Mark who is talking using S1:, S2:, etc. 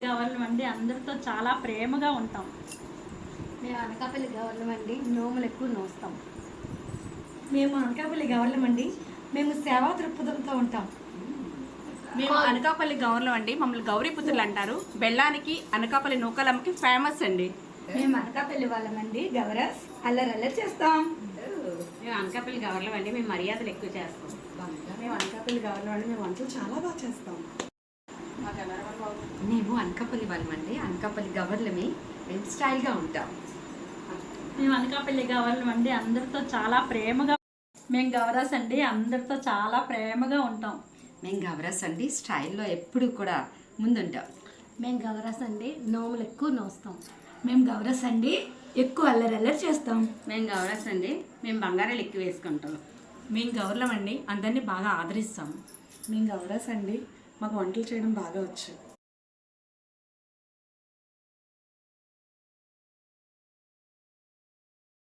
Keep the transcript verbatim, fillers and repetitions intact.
S1: గవర్నమండి అందరితో చాలా ప్రేమగా ఉంటాం.
S2: మేము అనకాపల్లి గవర్నమండి నోములు ఎక్కువ నోస్తాం.
S3: మేము అనకాపల్లి గవర్నమండి మేము సేవా దృక్పథంతో ఉంటాం.
S4: మేము అనకాపల్లి గౌరవం అండి, మమ్మల్ని గౌరీపుత్రులు అంటారు. బెల్లానికి అనకాపల్లి నూకలమ్మకి ఫేమస్ అండి.
S3: మేము అనకాపల్లి వాళ్ళమండి గవరస్ అల్లరల్లరి చేస్తాం.
S5: మేము అనకాపల్లి గవర్నమెంట్ అండి, మేము మర్యాదలు ఎక్కువ చేస్తాం.
S4: మేము అనకాపల్లి గవర్నమెంట్ అండి, మేము వంటలు చాలా బాగా చేస్తాం.
S2: మేము అనకాపల్లి వాళ్ళమండి అనకాపల్లి గవర్నమే మేము స్టైల్గా ఉంటాం.
S1: మేము అనకాపల్లి గవర్నమండి అందరితో చాలా ప్రేమగా. మేము గవరస్ అండి అందరితో చాలా ప్రేమగా ఉంటాం.
S2: మేము గవరస్ అండి స్టైల్లో ఎప్పుడు కూడా ముందుంటాం.
S3: మేము గవరస్ అండి నోములు ఎక్కువ నోస్తాం. మేము గవరస్ అండి ఎక్కువ అల్లరల్లరి చేస్తాం.
S5: మేము గౌరస్ అండి, మేము బంగారాలు ఎక్కువ వేసుకుంటాం.
S4: మేము గౌరవం అండి అందరినీ బాగా ఆదరిస్తాం.
S6: మేము గౌరస్ అండి మాకు వంటలు చేయడం బాగా వచ్చు.